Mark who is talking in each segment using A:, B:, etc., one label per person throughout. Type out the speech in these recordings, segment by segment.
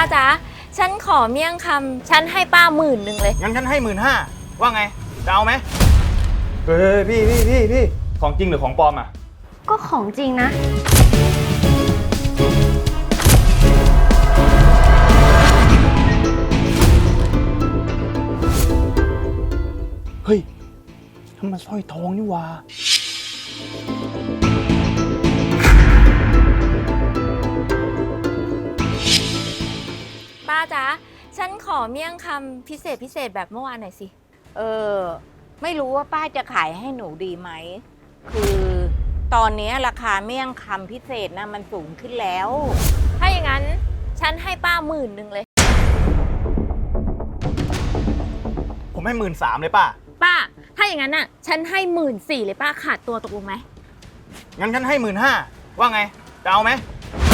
A: จ๊ะฉันขอเมี่ยงคำฉันให้ป้า10,000เลย
B: งั้นฉันให้15,000ว่าไงจะเอาไหมเฮ้ยพี่ของจริงหรือของปลอมอ่ะ
C: ก็ของจริงนะ
B: เฮ้ยทำไมสร้อยทองนี่วะ
A: ป้าจ๊ะฉันขอเมี่ยงคำพิเศษแบบเมื่อวานหน่อยสิ
D: ไม่รู้ว่าป้าจะขายให้หนูดีไหมคือตอนนี้ราคาเมี่ยงคำพิเศษนะมันสูงขึ้นแล้ว
A: ถ้าอย่างนั้นฉันให้ป้า10,000เลย
B: ผมให้13,000เลยป้า
A: ถ้าอย่างนั้นน่ะฉันให้14,000เลยป้าขาดตัวตกลงไหม
B: งั้นฉันให้15,000ว่าไงจะเอาไหม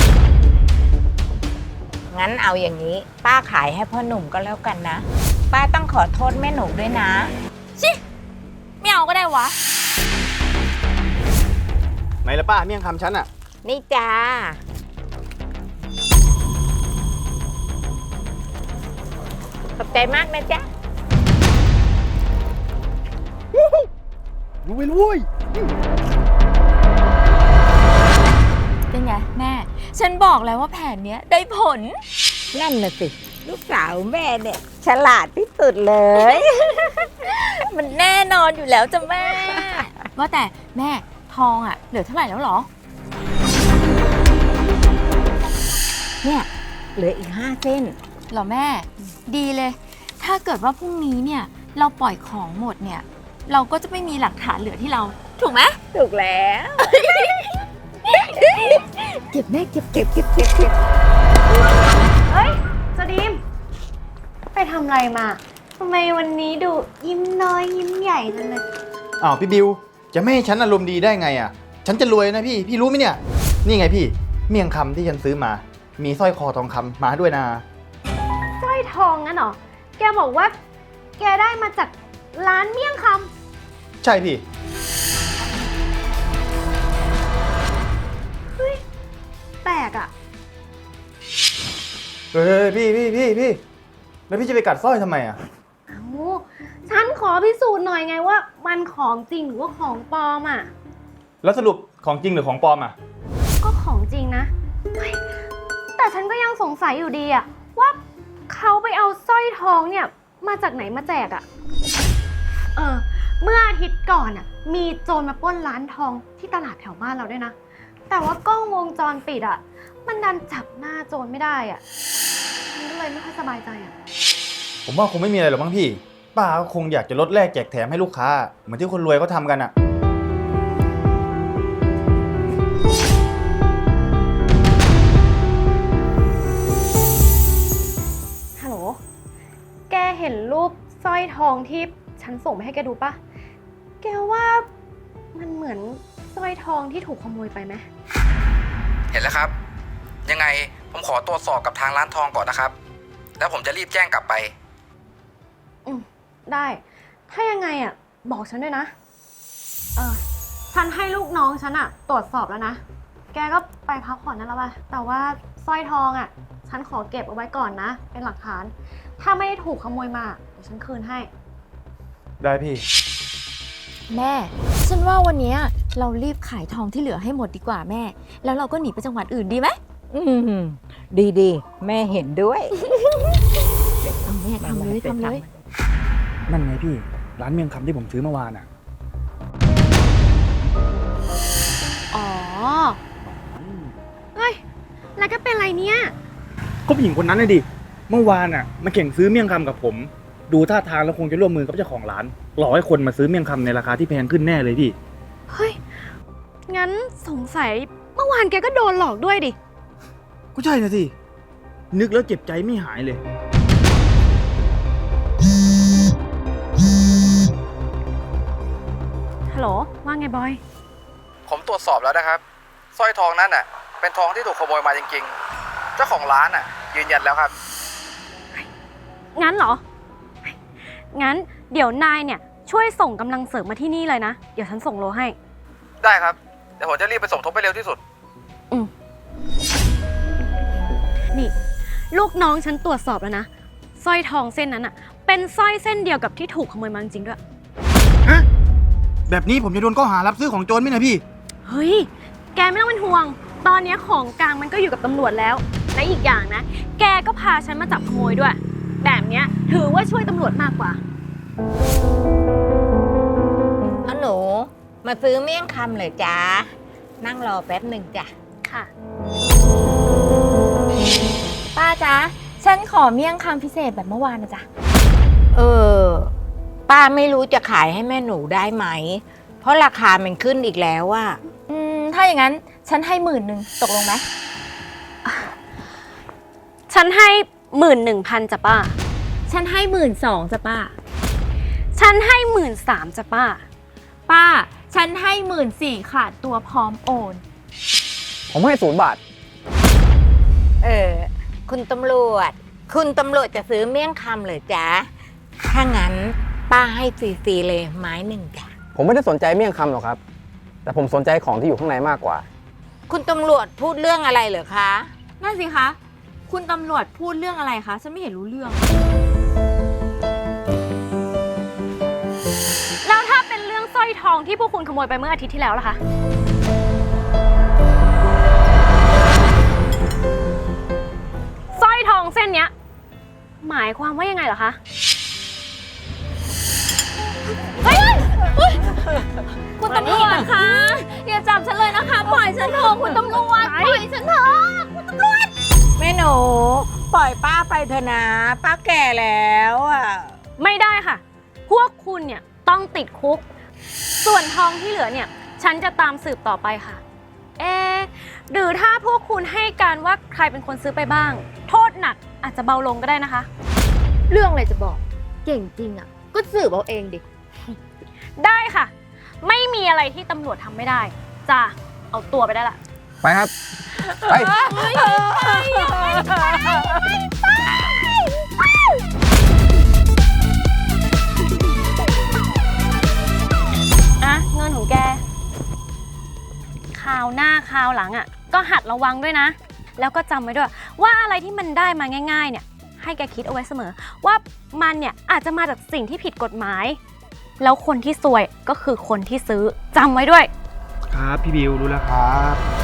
D: งั้นเอาอย่างนี้ป้าขายให้พ่อหนุ่มก็แล้วกันนะป้าต้องขอโทษแม่หนูด้วยนะ
A: ชิไม่เอาก็ได้วะ
B: ไหนละป้าเมี่ยงคำฉันอ่ะ
D: นี่จ้าขอบใจมากนะจ๊ะ
B: รู้ไปรู้ย
A: เป็นไงแม่ฉันบอกแล้วว่าแผนเนี้ยได้ผล
D: นั่นน่ะสิลูกสาวแม่เนี่ยฉลาดที่สุดเลย
A: มันแน่นอนอยู่แล้วจ้ะแม่ว่าแต่แม่ทองอ่ะเหลือเท่าไหร่แล้วหรอ
D: เนี่ยเหลืออีก5 เส้น
A: หรอแม่ดีเลยถ้าเกิดว่าพรุ่งนี้เนี่ยเราปล่อยของหมดเนี่ยเราก็จะไม่มีหลักฐานเหลือที่เราถูกไหม
D: ถูกแล้วเก็บแม่เก็บ
C: เฮ้ยสดีมไปทำอะไรมาทำไมวันนี้ดูยิ้มน้อยยิ้มใหญ่จังเลย
B: อ้าวพี่บิวจะไม่ให้ฉันอารมณ์ดีได้ไงอ่ะฉันจะรวยนะพี่รู้ไหมเนี่ยนี่ไงพี่เมี่ยงคำที่ฉันซื้อมามีสร้อยคอทองคำมาด้วยนะ
C: สร้อยทองงั้นเหรอแกบอกว่าแกได้มาจากร้านเมี่ยงค
B: ำใช่พี่
C: เฮ้ยแปลกอ่ะ
B: เฮ้ยพี่แล้วพี่จะไปกัดสร้อยทำไมอ่ะ
C: เอ้าฉันขอพิสูจน์หน่อยไงว่ามันของจริงหรือว่าของปลอมอ่ะ
B: แล้วสรุปของจริงหรือของปลอมอ่ะ
C: ก็ของจริงนะแต่ฉันก็ยังสงสัยอยู่ดีอ่ะว่าเขาไปเอาสร้อยทองเนี่ยมาจากไหนมาแจกอ่ะเมื่ออาทิตย์ก่อนอ่ะมีโจรมาปล้นร้านทองที่ตลาดแถวบ้านเราด้วยนะแต่ว่ากล้องวงจรปิดอ่ะมันดันจับหน้าโจรไม่ได้อ่ะฉันก็เลยไม่ค่อยสบายใจอ่ะ
B: ผมว่าคงไม่มีอะไรหรอกมั้งพี่ป้าคงอยากจะลดแลกแจกแถมให้ลูกค้าเหมือนที่คนรวยเขาทำกันอ่ะ
C: ฮัลโหลแกเห็นรูปสร้อยทองที่ฉันส่งไปให้แกดูปะแกว่ามันเหมือนสร้อยทองที่ถูกขโมยไปไหม
E: เห็นแล้วครับยังไงผมขอตรวจสอบกับทางร้านทองก่อนนะครับแล้วผมจะรีบแจ้งกลับไป
C: ได้ถ้ายังไงอ่ะบอกฉันด้วยนะฉันให้ลูกน้องฉันอ่ะตรวจสอบแล้วนะแกก็ไปพักผ่อนนั่นแล้วป่ะแต่ว่าสร้อยทองอ่ะฉันขอเก็บเอาไว้ก่อนนะเป็นหลักฐานถ้าไม่ได้ถูกขโมยมาเดี๋ยวฉันคืนให้
B: ได้พี่
A: แม่ฉันว่าวันนี้เรารีบขายทองที่เหลือให้หมดดีกว่าแม่แล้วเราก็หนีไปจังหวัดอื่นดีไหม
D: ดีแม่เห็นด้วย
A: แม่ทำเลย
B: นั่นไงพี่ร้านเมี่ยงคำที่ผมซื้อเมื่อวานอ่ะ
C: อ๋อเฮ้ยแล้วก็เป็นไรเนี่ย
B: ก็ผู้หญิงคนนั้นเลยดิเมื่อวานอ่ะมาแข่งซื้อเมี่ยงคำกับผมดูท่าทางแล้วคงจะร่วมมือกับเจ้าของร้านหลอกให้คนมาซื้อเมี่ยงคำในราคาที่แพงขึ้นแน่เลยพี่
C: เฮ้ยงั้นสงสัยเมื่อวานแกก็โดนหลอกด้วยดิ
B: ก็ใช่นะสินึกแล้วเจ็บใจไม่หายเลย
C: ฮัลโหลว่าไงบอย
E: ผมตรวจสอบแล้วนะครับสร้อยทองนั้นน่ะเป็นทองที่ถูกขโมยมาจริงๆเจ้าของร้านน่ะยืนยันแล้วครับ
C: งั้นเหรองั้นเดี๋ยวนายเนี่ยช่วยส่งกำลังเสริมมาที่นี่เลยนะเดี๋ยวฉันส่งโลให้
E: ได้ครับเดี๋ยวผมจะรีบไปสมทบไปเร็วที่สุด
C: นี่ลูกน้องฉันตรวจสอบแล้วนะสร้อยทองเส้นนั้นอะเป็นสร้อยเส้นเดียวกับที่ถูกขโมยมาจริงๆด้วย
B: ฮะ แบบนี้ผมจะโดนข้อหารับซื้อของโจรไหมนะพี่
C: เฮ้ย แกไม่ต้องเป็นห่วง ตอนนี้ของกลางมันก็อยู่กับตำรวจแล้ว และอีกอย่างนะ แกก็พาฉันมาจับขโมยด้วย แบบเนี้ยถือว่าช่วยตำรวจมากกว่า
D: เอาหนูมาซื้อเมี่ยงคำเหรอจ๊ะ นั่งรอแป๊บหนึ่งจ้ะ
C: ค่ะ
A: ป้าจ๊ะ ฉันขอเมี่ยงคำพิเศษแบบเมื่อวานนะจ๊ะ
D: เออ ป้าไม่รู้จะขายให้แม่หนูได้ไหม เพราะราคามันขึ้นอีกแล้วอะ
A: ถ้าอย่างนั้นฉันให้11,000ตกลงไหม
C: ฉันให้ 11,000จ้ะป้า
A: ฉันให้12,000จ้ะป้า
C: ฉันให้ 13,000จ้ะป้า
A: ป้า ฉันให้14,000ขาดตัวพร้อมโอน
E: ผมให้0 บาท
D: คุณตำรวจ คุณตำรวจจะซื้อเมี่ยงคำเหรอจ๊ะ ถ้างั้นป้าให้ฟรีๆเลยไม้หนึ่งจ้ะ
E: ผมไม่ได้สนใจเมี่ยงคำหรอกครับ แต่ผมสนใจของที่อยู่ข้างในมากกว่า
D: คุณตำรวจพูดเรื่องอะไรเหรอคะ
A: นั่นสิคะ คุณตำรวจพูดเรื่องอะไรคะ ฉันไม่เห็นรู้เรื่อง
C: แล้วถ้าเป็นเรื่องสร้อยทองที่พวกคุณขโมยไปเมื่ออาทิตย์ที่แล้วล่ะคะ สร้อยทองเส้นเนี้ย หมายความว่ายังไงเหรอคะ
A: คุณตำรวจคะ อย่าจับฉันเลยนะคะ ปล่อยฉันเถอะคุณตำรวจ ปล่อยฉันเถอะ
D: แม่หนูปล่อยป้าไปเถอะนะ ป้าแก่แล้วอะ
C: ไม่ได้ค่ะ พวกคุณเนี่ยต้องติดคุก ส่วนทองที่เหลือเนี่ย ฉันจะตามสืบต่อไปค่ะ หรือถ้าพวกคุณให้การว่าใครเป็นคนซื้อไปบ้าง โทษหนักอาจจะเบาลงก็ได้นะคะ
A: เรื่องอะไรจะบอก เก่งจริงอ่ะ ก็สืบเอาเองดิ
C: ได้ค่ะ ไม่มีอะไรที่ตำรวจทำไม่ได้จ้าเอาตัวไปได้ละ
E: ไปครับ ไป
C: อ่ะเงินของแกคราวหน้าคราวหลังอ่ะ ก็หัดระวังด้วยนะ แล้วก็จำไว้ด้วย ว่าอะไรที่มันได้มาง่าย ๆ เนี่ย ให้แกคิดเอาไว้เสมอ ว่ามันเนี่ยอาจจะมาจากสิ่งที่ผิดกฎหมาย แล้วคนที่ซวยก็คือคนที่ซื้อจำไว้ด้วย
B: ครับพี่บิวรู้แล้วครับ